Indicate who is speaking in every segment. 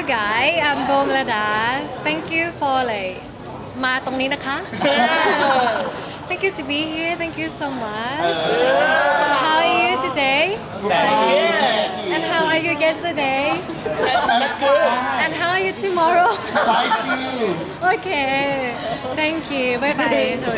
Speaker 1: guys, I'm Bomlada. Thank you for like มาตรงนี้นะคะ Thank you to be here. Thank you so much. How are you today? And how are you yesterday? And how are you tomorrow? Okay. Thank you. Bye bye.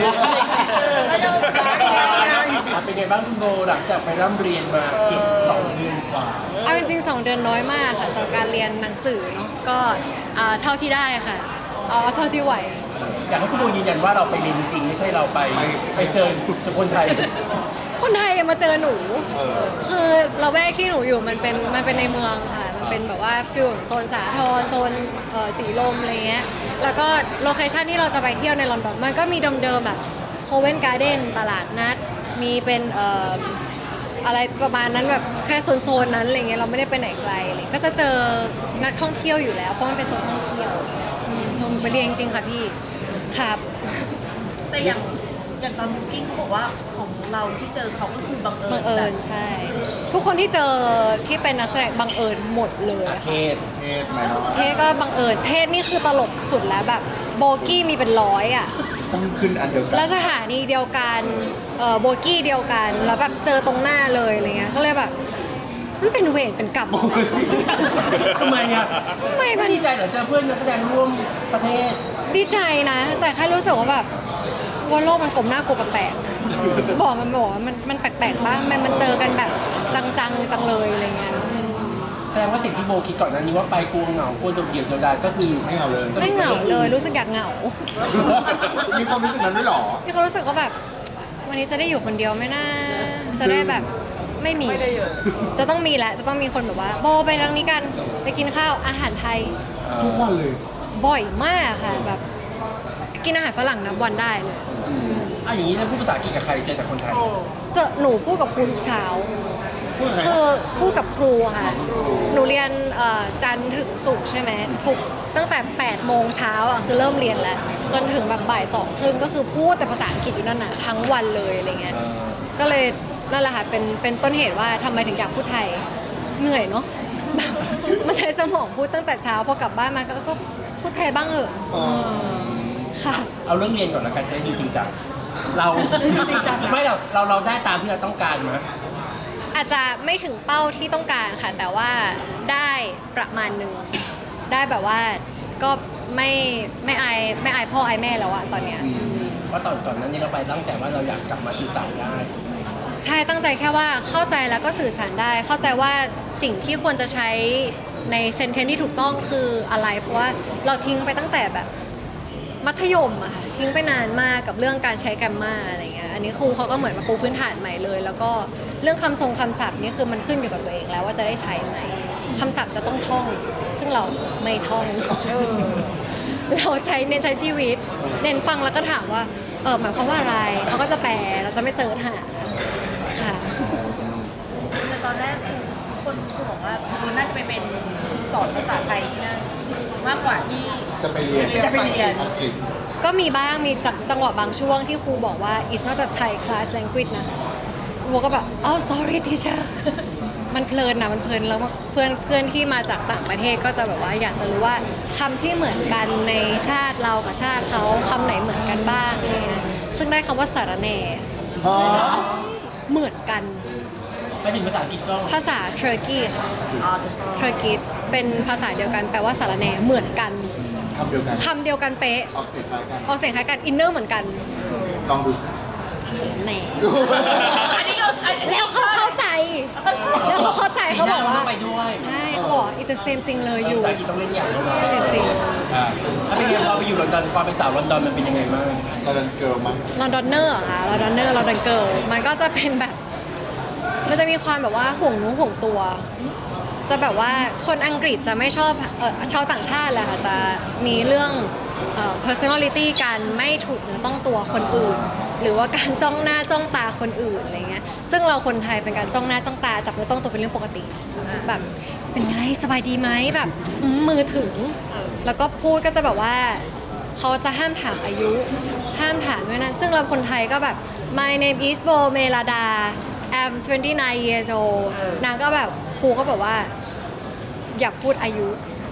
Speaker 2: เป็นไงบ้างคุณโบหลังจากไปร่ำเรียนมาเกือบ2 เดือนกว่า
Speaker 1: เอาจริงๆ2 เดือนน้อยมากค่ะสำหรับการเรียนหนังสือเนาะก็เท่าที่ได้ค่ะเอาเท่าที่ไหว
Speaker 2: อยากให้คุณโบยืนยันว่าเราไปเรียนจริงไม่ใช่เราไปเจอคนไทย
Speaker 1: คนไทยมาเจอหนู คือเราแวกที่หนูอยู่มันเป็นในเมืองค่ะ มันเป็นแบบว่าฟิลโซนสาทรโซนสีลมอะไรเงี้ย แล้วก็โลเคชันที่เราจะไปเที่ยวในลอนดอนมันก็มีเดิมๆแบบโคเวนการ์เด้นตลาดนัด มีเป็นอะไรประมาณนั้นแบบแค่โซนนั้นอะไรเงี้ยเราไม่ได้ไปไหนไกลเลยก็จะเจอนักท่องเที่ยวอยู่แล้วเพราะมันเป็นโซนท่องเที่ยวหนูไปเรียนจริงๆค่ะพี่ครับ
Speaker 3: แต่อย่างตอนบุ๊กิ้งเขาบอกว่าของเราที่เจอเขาก็คือบังเอิญ
Speaker 1: บังเอิญใช่ ทุกคนที่เจอที่เป็นนักแสดงบังเอิญหมดเลย
Speaker 2: อาเทศ
Speaker 1: เทศก็บังเอิญเทศนี่คือตลกสุดแล้วแบบโบกี้มีเป็น100อ่ะ
Speaker 4: ต้องขึ้นอันเดียวกัน
Speaker 1: แล้วสถานีเดียวกันโบกี้เดียวกันแล้วแบบเจอตรงหน้าเลยอะไรเงี้ยก็เลยแบบมันเป็นเวรเป็นกรรม
Speaker 2: ทำไมอ่ะ
Speaker 1: ทำไมมัน
Speaker 2: ดีใจเหรอเจอเพื่อนนักแสดงร่วมประเทศ
Speaker 1: ดีใจนะ แต่แค่รู้สึกว่าแบบว่าโลกมันกลมหน้ากลัวแปลกๆบอกว่ามันแปลกๆบ้างมันเจอกันแบบจังเลยอะไรเงี้ย
Speaker 2: แสดงว่าสิ่งที่โบคิดก่อนหนั้นนี้ว่าไปกลัวเหงากลัวโดดเดี่ยวโดดดายก็คือ
Speaker 4: ไม่เอาเลย
Speaker 1: ไม่เหงาเลยรู้สึกอยากเหงา
Speaker 4: มีความรู้สึกนั้นด้วยเหรอ
Speaker 1: มีความรู้สึกว่าแบบ วันนี้จะได้อยู่คนเดียวไหมนะจะได้แบบไม่มีจะต้องมีแหละจะต้องมีคนแบบว่าโบไปทางนี้กันไปกินข้าวอาหารไทย
Speaker 4: ทุกวันเลย
Speaker 1: บ่อยมากค่ะแบบกินอาหารฝรั่งนับวันได้เลย
Speaker 2: อย่างนี้จะพูดภาษาอังกฤษกับใครเจอแต่คนไทย
Speaker 1: เจอหนูพูดกับครูทุกเช้า
Speaker 4: พูดกับใคร
Speaker 1: คือพูดกับครูค่ะ หนูเรียนจันทร์ถึงศุกร์ใช่ไหมทุกตั้งแต่8 โมงเช้าอ่ะคือเริ่มเรียนแล้ว จนถึงแบบบ่าย 2 ครึ่งก็คือพูดแต่ภาษาอังกฤษอยู่นั่นน่ะทั้งวันเลยอะไรเงี้ย ก็เลยนั่นแหละค่ะเป็นต้นเหตุว่าทำไมถึงอยากพูดไทยเหนื่อยเนาะ แบบมันใช้สมองพูดตั้งแต่เช้าพอกลับบ้านมาก็พูดไทยบ้างเหอะ
Speaker 4: อ๋อ
Speaker 1: ค่ะ
Speaker 2: เอาเรื่องเรียนก่อนละกันจะได้ดูจริงจังเราไม่เราได้ตามที่เราต้องการไหม
Speaker 1: อาจจะไม่ถึงเป้าที่ต้องการค่ะ แต่ว่าได้ประมาณหนึ่งได้แบบว่าก็ไม่อายพ่ออายแม่แล้วอะตอนเนี้ย
Speaker 2: เพราะก่อนนั้นนี่เราไปตั้งแต่ว่าเราอยากกลับมาสื่อสารได้
Speaker 1: ใช่ตั้งใจแค่ว่าเข้าใจแล้วก็สื่อสารได้ เข้าใจว่าสิ่งที่ควรจะใช้ในเซนเทนที่ถูกต้องคืออะไรเพราะว่าเราทิ้งไปตั้งแต่แบบมัธยมอะค่ะทิ้งไปนานมากกับเรื่องการใช้แกรมมาอะไรเงี้ยอันนี้ครูเขาก็เหมือนมาปูพื้นฐานใหม่เลย แล้วก็เรื่องคำทรงคำศัพท์นี่คือมันขึ้นอยู่กับตัวเองแล้วว่าจะได้ใช้ไหมคำศัพท์จะต้องท่อง ซึ่งเราไม่ท่อง เราเน้นใช้ชีวิต เน้นฟังแล้วก็ถามว่าหมายความว่าอะไรเขาก็จะแปลเราจะไม่เสิร์ชหาค่ะ
Speaker 3: แต่ตอนแรกครูบอกว่าน่าจะไปเป็นสอนภาษาไทยที่นั่นมากกว่าที่
Speaker 4: จะไปเรียน
Speaker 3: จะไปเรียน
Speaker 4: อังกฤษ
Speaker 1: ก็มีบ้างมีจังหวะบางช่วงที่ครูบอกว่า it's not a Thai class language นะครูก็แบบsorry teacher มันเพลินนะมันเพลินแล้วเพื่อนที่มาจากต่างประเทศก็จะแบบว่าอยากจะรู้ว่าคำที่เหมือนกันในชาติเรากับชาติเขาคำไหนเหมือนกันบ้างอะไรเงี้ยซึ่งได้คำว่าสารแหน่
Speaker 4: อ๋อ
Speaker 1: เหมือนกัน
Speaker 2: ไปถึงภาษาอังกฤษก็
Speaker 1: ภาษาเทอร์กีค่ะเทอร์กีเป็นภาษาเดียวกันแปลว่าสารแหน่เหมือนกัน
Speaker 4: คำเดียวกัน
Speaker 1: คำเดียวกันเป๊ะ
Speaker 4: ออกเสียงคล้ายกัน
Speaker 1: ออกเสียงคล้ายกันอินเนอร์เหมือนกัน
Speaker 4: ลองดูสิ
Speaker 1: สารแหน่
Speaker 3: อันนี้ก็
Speaker 1: แล้วเขาเข้าใจ แล้วเขาเข้าใจเขาบอกว่า
Speaker 2: ไปด้วย
Speaker 1: ใช่เขาบอก it's the same thing เลยอยู่
Speaker 2: ภาษาอังกฤษต้องเล่นอย่างด้วย
Speaker 1: same thing
Speaker 2: ถ้าเป็นไงพอไปอยู่ลอนดอนพอเป็นสาวลอนดอนมันเป็นยังไงบ้าง
Speaker 4: ตอนนั้นเกิร์ลมั้ง
Speaker 1: ลอนดอนเนอร์อะค่ะลอนดอนเนอร์ลอนดอนเกิร์ลมันก็จะเป็นแบบ มันจะมีความแบบว่าห่วงนู้ห่วงตัว จะแบบว่าคนอังกฤษจะไม่ชอบชาวต่างชาติแหละค่ะจะมีเรื่องpersonality การไม่ถูกเนื้อต้องตัวคนอื่น หรือว่าการจ้องหน้าจ้องตาคนอื่นอะไรเงี้ยซึ่งเราคนไทยเป็นการจ้องหน้าจ้องตาจับเนื้อต้องตัวเป็นเรื่องปกติแบบเป็นไงสบายดีไหมแบบมือถึง แล้วก็พูดก็จะแบบว่าเขาจะห้ามถามอายุ ห้ามถามด้วยนะซึ่งเราคนไทยก็แบบ my name is Bo Melada I'm 29 years old นางก็แบบครูก็แบบว่าอย่าพูดอายุ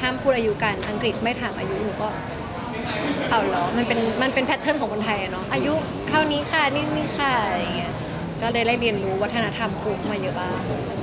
Speaker 1: ห้ามพูดอายุกันอังกฤษไม่ถามอายุหนูก็เอาเหรอมันเป็นแพทเทิร์นของคนไทยอะเนาะอายุเท่านี้ค่ะนี่ค่ะอะไรอย่างเงี้ยก็ได้เรียนรู้วัฒนธรรมครูเข้ามาเยอะบ้าง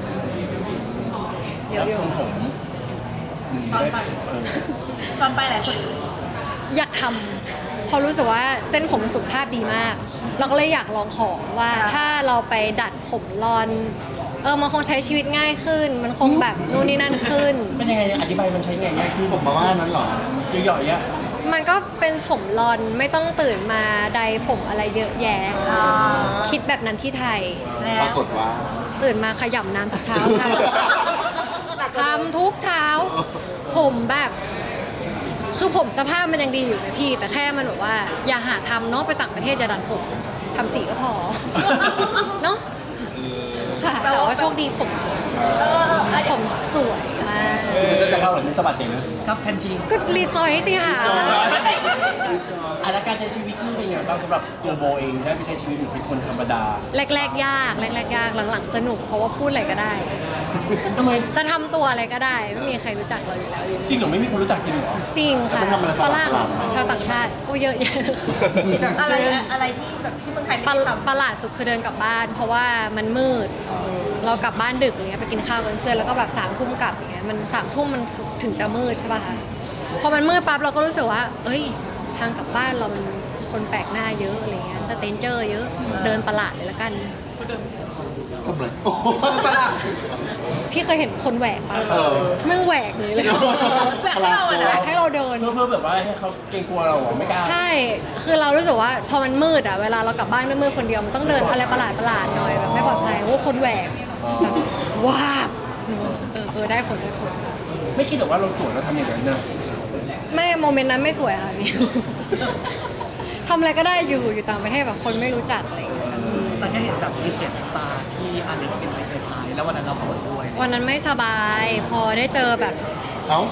Speaker 1: เย
Speaker 2: แล้ว
Speaker 1: อะอยู่
Speaker 2: ทรงผมได้เออ
Speaker 3: ตอนไปหลายคน
Speaker 1: อยากทำเพราะรู้สึกว่าเส้นผมสุขภาพดีมาก เราก็เลยอยากลองของว่าถ้าเราไปดัดผมรอนมันคงใช้ชีวิตง่ายขึ้น มันคงแบบนู่นนี่นั่นขึ้น
Speaker 2: เป็นยังไงอธิบายมันใช้ไงง่ายขึ้น
Speaker 4: ผมมาว่านั้นเหรอ
Speaker 2: ย่อยๆอ่ะ
Speaker 1: มันก็เป็นผมรอนไม่ต้องตื่นมาใดผมอะไรเยอะแยะ คิดแบบนั้นที่ไทย
Speaker 3: แล้
Speaker 4: ปราว กฏว่า
Speaker 1: ตื่นมาขยำน้ำทุกเช้าค่ะทำทุกเช้า ผมแบบคือผมสภาพมันยังดีอยู่นะพี่ แต่แค่มันแบบว่าอย่าหาทำเนาะไปต่างประเทศอย่าดัดผมทำสีก็พอ เนาะค่ะแต่ว่าโชคดีผม ผมสวยมาก
Speaker 2: จะเข้าหรือไม่สะบัดเด็กนะครับแพนที
Speaker 1: ก็รีจอยสิค่ะ
Speaker 2: อ่ะแล้วการใช้ชีวิตนี่เป็นไงบ้างสำหรับตัวโบเองได้ไปใช้ชีวิตเหมือนเป็นคนธรรมดา
Speaker 1: แรกๆยากหลังๆสนุกเพราะว่าพูดอะไรก็ได้
Speaker 2: ทำไม
Speaker 1: จะทำตัวอะไรก็ได้ ไม่มีใครรู้จักเราอยู่แล้วอยู่
Speaker 2: จริงเหรอไม่มีคนรู้จักจริงเหรอ
Speaker 1: จริงค่ะ
Speaker 4: แล้วมันทำอะไร
Speaker 1: ฝรั่ง
Speaker 4: ประหลาดๆ
Speaker 1: ชาวต่างชาติโอ้เยอะแยะ
Speaker 3: อะไรที่แบบที่เมืองไทยไม่
Speaker 1: ประ
Speaker 3: ได้ท
Speaker 1: ประหลาดสุดคือเดินกลับบ้าน เพราะว่ามันมืด เรากลับบ้านดึกอย่างเงี้ยไปกินข้าวกับเพื่อนแล้วก็แบบ3 ทุ่มกลับอย่างเงี้ยมัน3 ทุ่มมันถึงจะมืดใช่ป่ะคะพอมันมืดปั๊บเราก็รู้สึกว่า เอ้ย ทางกลับบ้านเรามันคนแปลกหน้าเยอะอะไรเงี้ยสเตนเจอร์เยอะเดินประหลาดเลยละกัน
Speaker 4: ทำอะไรโอ้โหประหลาด
Speaker 1: พี่เคยเห็นคนแหวกปะ
Speaker 4: เออ
Speaker 1: แม่งแหวกเลย
Speaker 3: ำแบบเราอะ
Speaker 1: แหว
Speaker 3: นะ
Speaker 1: กให้เราเดิน
Speaker 2: เพื่อแบบว่าให้เขาเกรงกลัวเราเหรอไม่กล้า
Speaker 1: ใช่ คือเรารู้สึกว่าพอมันมืดอ่ะ เวลาเรากลับบ้านด้วยมืดคนเดียวมันต้องเดินอะไรประหลาดหน่อยแบบไม่ปลอดภัยโอ้คนแหวกแบบว้าบหนูได้ผล
Speaker 2: ไม่คิดหรอกว่าเราสวยเราทำอย่างนั้นนะ
Speaker 1: ไม่โมเมนต์นั้นไม่สวยค่ะพี่ ทำอะไรก็ได้อยู่ต่างประเทศแบบคนไม่รู้จักอะไรอย่างเงี้ย
Speaker 5: ตอนนี้เห็นแบบมีเสียงตาที่อาเล็กเป็นไปเซอร์ไพรส์แล้ววันนั้นเราปวดด้วย
Speaker 1: วันนั้นไม่สบาย พอได้เจอแบบ
Speaker 4: เอ้า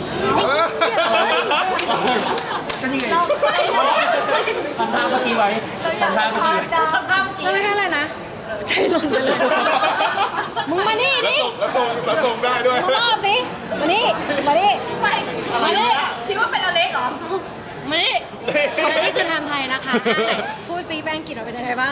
Speaker 2: ก็นี่ไงทำท่าเมื่อกี้ไว้ทำท่าเมื่อกี้ไว้
Speaker 3: ดาวข้ามเมื่อกี้
Speaker 1: แล้วไม่ใช่อะไรนะใจหล่นไปเลย มึงมานี่ดิ
Speaker 4: แล้วส่งได้ด้วย
Speaker 1: มึงรอบดิมานี่มานี่
Speaker 3: ไม่
Speaker 1: มานี่
Speaker 3: คิดว่าเป็นอเล็กเหรอ
Speaker 1: มานี่อันนี้คือไทม์ไทยนะคะไหนพูดซีแป้งกินเราเป็นยังไงบ้าง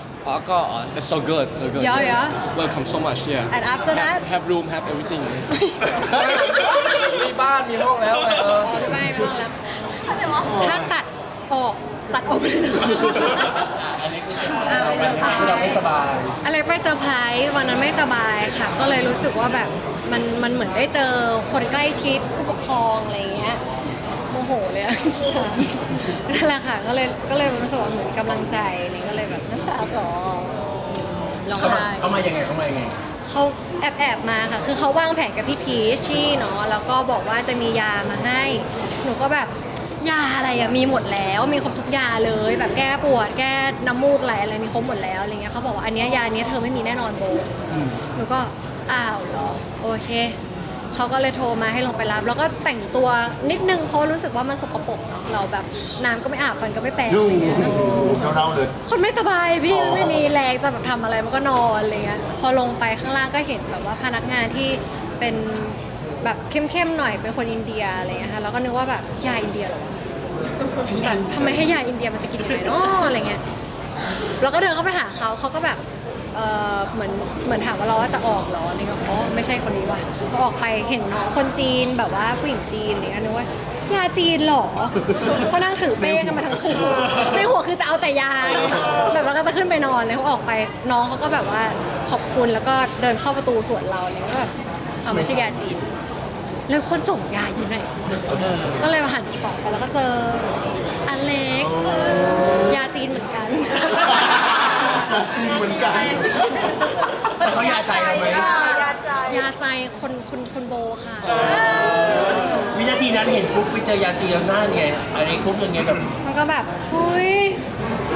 Speaker 6: It's so good, so good.
Speaker 1: Yeah.
Speaker 6: Welcome so much, yeah.
Speaker 1: And after that
Speaker 6: have room, have everything. มีบ้าน มีห้องแล้วไง
Speaker 1: ไม่ต้องแล้ว ถ้าตัดออกไปเลยนะคะ
Speaker 2: อันนี้คือเราไม่สบาย
Speaker 1: อะไรไปเซอร์ไพรส์วันนั้นไม่สบายค่ะ ก็เลยรู้สึกว่าแบบมันเหมือนได้เจอคนใกล้ชิดผู้ปกครองอะไรอย่างเงี้ยโมโหเลยอะนั่นแหละค่ะก็เลยรู้สึกว่าเหมือนกำลังใจนี่ก็เลยแบบน้ำตาคลอร้องไห้
Speaker 2: เขามายังไงเขามายังไง
Speaker 1: เขาแอบมาค่ะ คือเขาวางแผนกับพี่พีชชี่เนาะ แล้วก็บอกว่าจะมียามาให้ หนูก็แบบยาอะไรอะมีหมดแล้ว มีครบทุกยาเลย แบบแก้ปวด แก้น้ำมูกอะไรมีครบหมดแล้วอะไรเงี้ยเขาบอกว่าอันเนี้ยยาเนี้ยเธอไม่มีแน่นอนโบ หนูก็อ้าวเหรอ โอเค เขาก็เลยโทรมาให้ลงไปรับ แล้วก็แต่งตัวนิดนึงเพราะรู้สึกว่ามันสกปรกเนาะ เราแบบน้ำก็ไม่อาบฟันก็ไม่แปรง
Speaker 4: ยุ่
Speaker 1: อะ
Speaker 4: ง
Speaker 1: ไรเงี้ย
Speaker 4: เน่าๆเลย
Speaker 1: คนไม่สบายพี่
Speaker 4: อ๋อ
Speaker 1: มันไม่มีแรงจะแบบทำอะไรมันก็นอนอะไรเงี้ยพอลงไปข้างล่างก็เห็นแบบว่าพนักงานที่เป็นแบบเข้มๆหน่อยเป็นคนอินเดียอะไรเงี้ยค่ะแล้วก็นึกว่าแบบยาอินเดียเหรอวะแบบทำไมให้ยาอินเดียมันจะกินยังไงเนาะอะไรเงี้ยแล้วก็เดินเข้าไปหาเขาก็แบบเหมือนถามว่าเราว่าจะออกเหรออะไรเงี้ยอ๋อไม่ใช่คนนี้ว่ะพอออกไปเห็นน้องคนจีนแบบว่าผู้หญิงจีนอะไรเงี้ยนึกว่ายาจีนเหรอเขานั่งถือเป้กันมาทั้งคืนในหัวคือจะเอาแต่ยาแบบแล้วก็จะขึ้นไปนอนเลยเขาออกไปน้องเขาก็แบบว่าขอบคุณแล้วก็เดินเข้าประตูสวนเราเนี่ยก็แบบเอาไม่ใช่ยาจีนแล้วคนส่งยาอยู่ไหนก็เลยมาหันกล่องไปแล้วก็เจออเล็กยาจีนเหมือนกัน
Speaker 4: จริงเหมือนกัน
Speaker 2: แต่เขายาใจเราไหม
Speaker 3: ยาใจ
Speaker 1: ยาใจคนโบค่ะ
Speaker 2: วินาทีนั้นเห็นปุ๊บไปเจอยาจีนแล้วหน้าไงอะไรปุ๊บยังไงแบบ
Speaker 1: มันก็แบบอุ้ยโม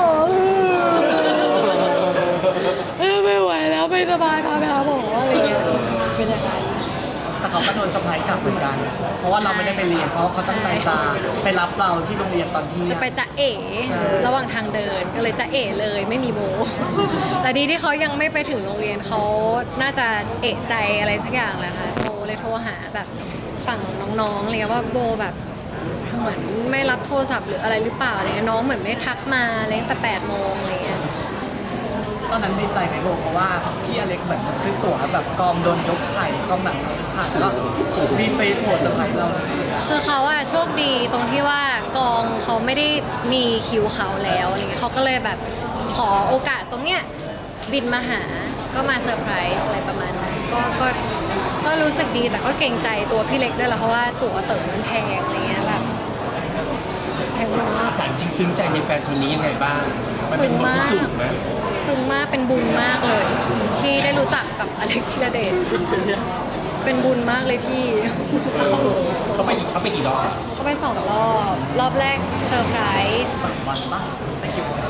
Speaker 1: ไม่ไหวแล้วไม่สบายพาไปหาหมออะไรเงี้ยเป็นยังไง
Speaker 5: แต่เขาก็โดนเซอร์ไพรส์กลับเหมือนกัน เพราะว่าเราไม่ได้ไปเรียน เพราะเขาตั้งใจจะไปรับเราที่โรงเรียนตอนที่
Speaker 1: จะไปจะเอ๋ระหว่างทางเดินก็เลยจะเอ๋เลยไม่มีโบ แต่ดีที่เขายังไม่ไปถึงโรงเรียนเขาน่าจะเอะใจอะไรสักอย่างแหละค่ะโทรหาแบบฝั่งน้องๆอะไรเงี้ยว่าโบแบบเหมือนไม่รับโทรศัพท์หรืออะไรหรือเปล่าอะไรเงี้ยน้องเหมือนไม่ทักมาอะไรตั้งแต่8 โมงอะไรเงี้ย
Speaker 5: ตอนนั้นดีใจไหมโบเพราะว่าพี่อเล็กเหมือนซื้อตั๋วแบบกองโดนยกไข่กองแบบยกไข่แล้วก็รีบไปโผล่เซอร์ไพรส์เราเลย
Speaker 1: คือเขาอะโชคดีตรงที่ว่ากองเขาไม่ได้มีคิวเขาแล้วอะไรเงี้ยเขาก็เลยแบบขอโอกาสตรงเนี้ยบินมาหาก็มาเซอร์ไพรส์อะไรประมาณนั้นก็รู้สึกดีแต่ก็เกรงใจตัวพี่เล็กด้วยแหละเพราะว่าตั๋วเติ่มันแพงอะไรเงี้ยแบบแพงมาก
Speaker 2: ถามจริงซึ้งใจในแฟนคนนี้ยังไงบ้างมันเป็นบทพิสูจน์ไหม
Speaker 1: ซึ้งมากเป็นบุญมากเลย ที่ได้รู้จักกับอเล็กธีรเดชเป็นบุญมากเลยพี่
Speaker 2: เขาไปกี่รอบ
Speaker 1: เขาไป2 รอบแรกเซอร์ไพรส์
Speaker 5: วันปะไม่กี่วัน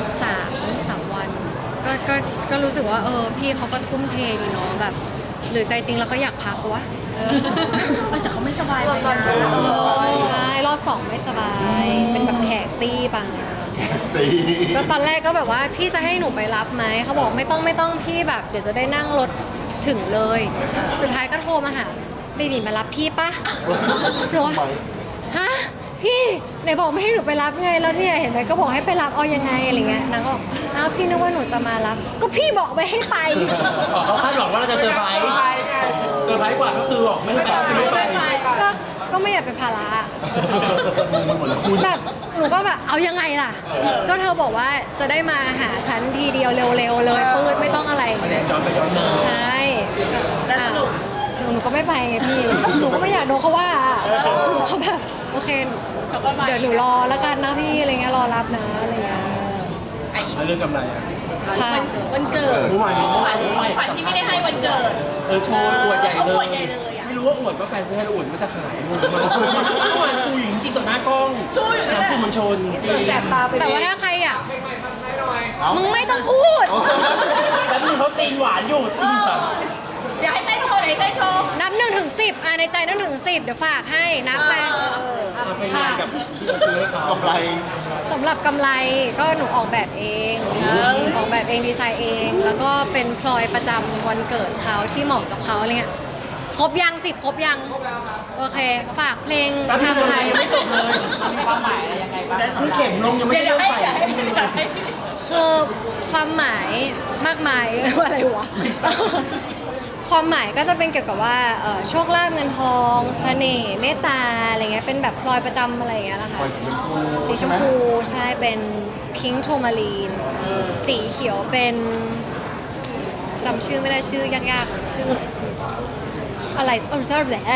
Speaker 1: 3 วันก็รู้สึกว่าพี่เขาก็ทุ่มเทดีเนาะแบบ หรือใจจริงแล้วเขาอยากพักวะ
Speaker 3: แต่เขาไม่สบายเลยนะ
Speaker 1: ใช่รอบ 2ไม่สบาย เป็นแบบแขกตี้บาง
Speaker 4: ตี
Speaker 1: ก็ตอนแรกก็แบบว่าพี่จะให้หนูไปรับไหมเขาบอกไม่ต้องพี่แบบเดี๋ยวจะได้นั่งรถถึงเลย สุดท้ายก็โทรมาหาเบบีมารับพี่ปะหนูว่าฮะพี่ไหนบอกไม่ให้หนูไปรับไงแล้วเนี่ยเห็นไหมก็บอกให้ไปรับเอายังไงอะไรเงี้ยนางก็บอกอ้าวพี่นึกว่าหนูจะมารับ ก็พี่บอกไปให้ไป
Speaker 2: เขาคาดหวังว่าเราจะเซอร์ไพรส์เซอร์ไพรส์กว่าก็คือบอกไม่ไปไม่ไป
Speaker 1: ก็ไม่อยากเป็นภาระ
Speaker 4: หมดแล้วคุณ
Speaker 1: แบบหนูก็แบบเอายังไงล่ะ ก็เธอบอกว่าจะได้มาหาฉันทีเดียวเร็วๆเลยปืดไม่ต้องอะไร
Speaker 2: คะแนนย้อนไปย้อนมา
Speaker 1: ใช่ก็หนูก็ไม่ไปไงพี่ หนูก็ไม่อยากโดนเขาว่าหนูก็แบบโอเค เดี๋ยวหนูรอแล้วกันนะพี่อะไรเงี้ยรอรับนะอะไรเงี้ย
Speaker 2: แล้วเรื่องกำไรอ่ะ
Speaker 1: ค่ะ
Speaker 3: วันเกิด
Speaker 2: เมื่อวาน
Speaker 3: ขวัญที่ไม่ได้ให้วันเกิด
Speaker 2: โชว์อวดใหญ่
Speaker 3: เขา
Speaker 2: เล
Speaker 3: อวย ดใหญ่เลยอะ
Speaker 2: ไม่รู้ว่าอวดว่าแฟนซื้อให้หรืออวดว่าจะขายงงมากเมื่อวานชูอยู่จริงๆต่อหน้ากล้อง
Speaker 3: ชูอยู่นั่นแหละ
Speaker 2: สื่อมวลชน
Speaker 3: แสบตาไป
Speaker 1: แต่ว่าถ้าใครอ่ะ
Speaker 4: เอ้า
Speaker 1: มึงไม่ต้องพูด
Speaker 2: แล้วมึงเขาซีนหวานอยู่ซีนแบบ
Speaker 3: เดี๋ยวให้เต้นโชว์เดี๋ยวให้เต้นโชว์
Speaker 1: นับ1 ถึง 10ในใจนับ1 ถึง 10เดี๋ยวฝากให้นับไป
Speaker 2: ทำไปงานกับที่เราซื้อให้เขา
Speaker 4: กำไร
Speaker 1: สำหรับกำไรก็หนูออกแบบเอง ออกแบบเองดีไซน์เอง แล้วก็เป็นพลอยประจำวันเกิดเขาที่เหมาะกับเขาอะไรเงี้ยครบยัง10ครบยังโอเค ฝากเพลง
Speaker 2: แป๊บนึง
Speaker 1: ทำไทย
Speaker 2: ยังไม่จบเลย
Speaker 5: มีความหมายอะไรยังไงบ้าง
Speaker 2: คือเข็มลงยังไม่ได้เริ่มใส่
Speaker 1: คือความหมายมากมาย อะไรวะ ความหมายก็จะเป็นเกี่ยวกับว่าโชคลาภเงินทองเสน่ห์เมตตาอะไรเงี้ยเป็นแบบพลอยประจำอะไรอย่างเงี้ยแหละค่ะ สีชมพูใช่เป็นพิงค์โทมารีนสีเขียวเป็นจำชื่อไม่ได้ชื่อยากๆชื่ออะไรชอบแหละ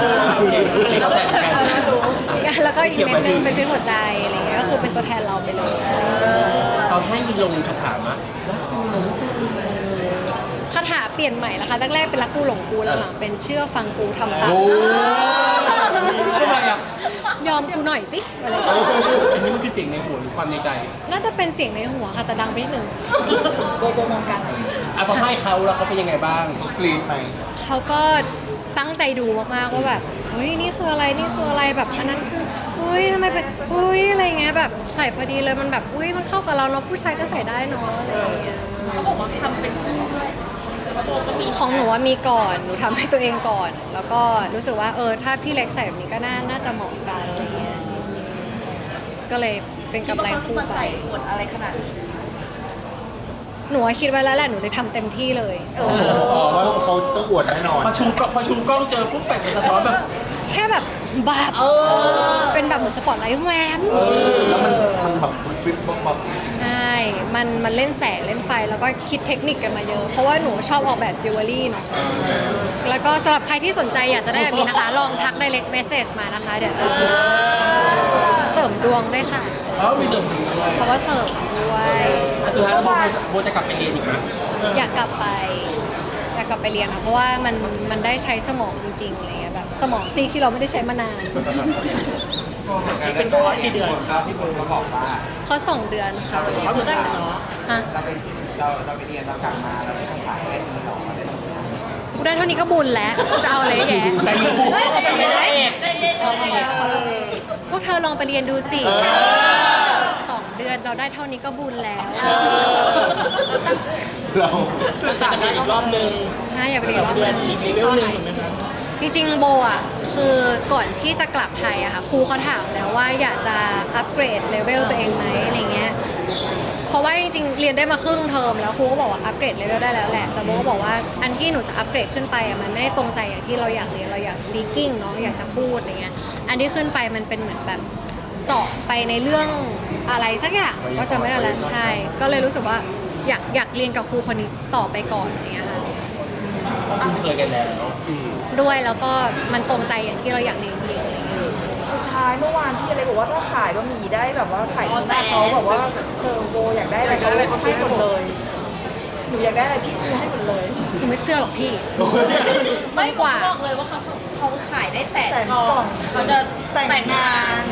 Speaker 1: แล้วก็อีกเม็ดนึงเป็นหัวใจอะไรเงี้ยก็คือเป็นตัวแทนเราไปเลย
Speaker 2: ตอนให้มีลงคาถามะรักกูหลงกู
Speaker 1: คาถาเปลี่ยนใหม่ละค่ะแรกๆเป็นรักกูหลงกูแล้วหลังเป็นเชื่อฟังกูทำตาม
Speaker 4: โอ้
Speaker 2: ทำไมอ่ะ
Speaker 1: ยอมกูหน่อยสิอะไรอย่างเงี้ย
Speaker 2: อันนี้มันคือเสียงในหัวหรือความในใจ
Speaker 1: น่าจะเป็นเสียงในหัวค่ะแต่ดังไปนิดนึง
Speaker 3: โบมองกัน
Speaker 2: อ่ะพอให้เขาแล้วเขาเป็นยังไงบ้าง
Speaker 4: กรีดไหม
Speaker 1: เขาก็ตั้งใจดูมากๆว่าแบบเฮ้ยนี่คืออะไรนี่คืออะไรแบบอันนั้นคืออุ้ยทำไมเป็นอุ้ยอะไรเงี้ยแบบใส่พอดีเลยมันแบบอุ้ยมันเข้ากับเราเนาะผู้ชายก็ใส่ได้เนาะอะไรอย่างเงี้ย
Speaker 3: เขาบอกว่าทำเป็นคู่ด้วยแต่ว่าโบก็มี
Speaker 1: ของหนูว่ามีก่อนหนูทำให้ตัวเองก่อน แล้วก็รู้สึกว่าถ้าพี่เล็กใส่แบบนี้ก็น่าจะเหมาะกันอะไรเงี้ยก็เลยเป็นกำไรคู่
Speaker 3: มา
Speaker 1: ไป
Speaker 3: ใส่ขวดอะไรขนาดนี้
Speaker 1: หนูว่าคิดไว้แล้วแหละหนูได้ทำเต็มที่เลย
Speaker 4: ว่าเขาต้องอวดแน่นอน
Speaker 2: พอชูกล้องเจอปุ๊บแฟลชมันสะท้อนแบบ
Speaker 1: แค่แบบเป็นแบบเหมือนสปอตไลท์แวม
Speaker 4: แล้วมันแบบปิ๊บป๊บป๊บ
Speaker 1: ใช่ มันเล่นแสงเล่นไฟแล้วก็คิดเทคนิคกันมาเยอะ เพราะว่าหนูชอบออกแบบจิวเวลรี่เนาะ แล้วก็สำหรับใครที่สนใจอยากจะได้แบบนี้นะคะ ลองทัก direct message มานะคะ เดี๋ยวเสริมดวงด้วยค่ะ
Speaker 2: มีเดิมถึงด้วย
Speaker 1: เพราะว่าเสริมด้วย
Speaker 2: อ่ะสุดท้ายแล้วโบจะกลับไปเรียนอีกไหม
Speaker 1: อยากกลับไปเรียนค่ะ เพราะว่ามันได้ใช้สมองจริงๆอะไรเงี้ยแบบสมองซีกที่เราไม่ได้ใช้มานาน
Speaker 5: เป็นคอร์สกี่เดือนครับที่คุณมาบอกว่า
Speaker 1: เขา2 เดือนค่ะ
Speaker 5: เขาเหมือนกันเนาะ
Speaker 1: ฮะ
Speaker 5: เราไปเรียนเรากลับมาเราได้ภาษาแค่นี้หรออะไรต่าง
Speaker 1: กูได้เท่านี้ก็บุญแล้ว จะเอาอะไรแย่
Speaker 2: ใจเย็น
Speaker 1: พวกเธอลองไปเรียนดูสิ 2 เดือนเราได้เท่านี้ก็บุญแล้ว
Speaker 4: เรา
Speaker 5: ๆจัดได้อีกรอบนึง
Speaker 1: ใช่อย่าไปเรียนรอบนึง
Speaker 5: อีกเลเวลหนึ่งเหมือนกัน
Speaker 1: จริงๆโบอ่ะคือก่อนที่จะกลับไทยอะค่ะครูเขาถามแล้วว่าอยากจะอัปเกรดเลเวลตัวเองไหมอะไรเงี้ยเพราะว่าจริงๆเรียนได้มาครึ่งเทอมแล้วครูก็บอกว่าอัปเกรดเลเวลได้แล้วแหละแต่โบก็บอกว่าอันที่หนูจะอัปเกรดขึ้นไปอะมันไม่ได้ตรงใจอย่างที่เราอยากเรียนเราอยาก speaking เนาะอยากจะพูดอะไรเงี้ยอันที่ขึ้นไปมันเป็นเหมือนแบบเจาะไปในเรื่องอะไรสักอย่างก็จะไม่ได้แล้วใช่ก็เลยรู้สึกว่าอยากเรียนกับครูคนนี้ต่อไปก่อนอะไรเงี้ยค่ะ
Speaker 2: คุ้นเคยกันแล้ว
Speaker 1: ด้วยแล้วก็มันตรงใจอย่างที่เราอยากเรียนจริงอะไรเงี้ย
Speaker 7: สุดท้ายเมื่อวานที่อะไรบอกว่าถ้าขายบะหมี่ได้แบบว่าขายดีมากเขาแบบว่าเทอร์โบอยากได้อะไรเขาให้หมดเลย หนูอยากได้อะไรพี่ซื้อให้หมดเลย
Speaker 1: หนูไม่เชื่อหรอกพี่
Speaker 3: ไม่
Speaker 1: สั้นกว่า
Speaker 3: บอกเลยว่าเขาขายได้แสน
Speaker 7: แสน
Speaker 3: กล่
Speaker 7: กล่
Speaker 3: อ
Speaker 7: อง ง
Speaker 3: เขาจะแต่งงาน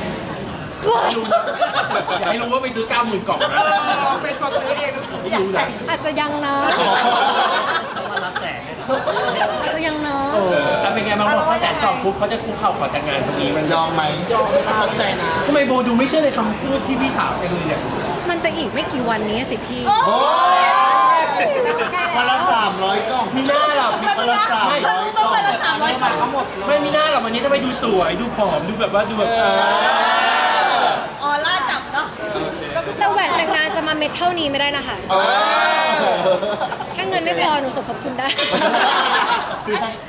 Speaker 2: อยากให้รู้ว่าไปซื้อ 90,000 กล่องนะ
Speaker 7: เป็นคนซื้อเอง
Speaker 2: ไม่รู้นะ
Speaker 1: อาจจะยังนะ
Speaker 2: เขามารับแสน
Speaker 1: อาจจะยังนะ
Speaker 2: แต่เป็นไงบางคนถ้าแสนกล่องปุ๊บเขาจะคุกเข่าขอแต่งงานตรงนี้มัน
Speaker 4: ยอมไหม
Speaker 6: ตกใจนะ
Speaker 2: ทำไมโบดูไม่เชื่อเลยคำพูดที่พี่ถามเองเลยเนี่ย
Speaker 1: มันจะอีกไม่กี่วันนี้สิพี่
Speaker 4: โอ้ยวันละ300 กล่อง
Speaker 2: มีหน้าหรอ
Speaker 4: วันละ300 กล่อง
Speaker 3: วันละ300 กล่อง
Speaker 2: ไม่มีหน้าหรอกวันนี้ทำไมดูสวยดูผอมดูแบบว่าดูแบบ
Speaker 3: ออร่าจับเนาะก็คือ
Speaker 1: แต่แหวนแต่งงานจะมาเม็ดเท่านี้ไม่ได้นะคะ
Speaker 4: เออ
Speaker 1: ถ้าเงินไม่พอหนูสมทบทุนได้
Speaker 4: ซื้อให้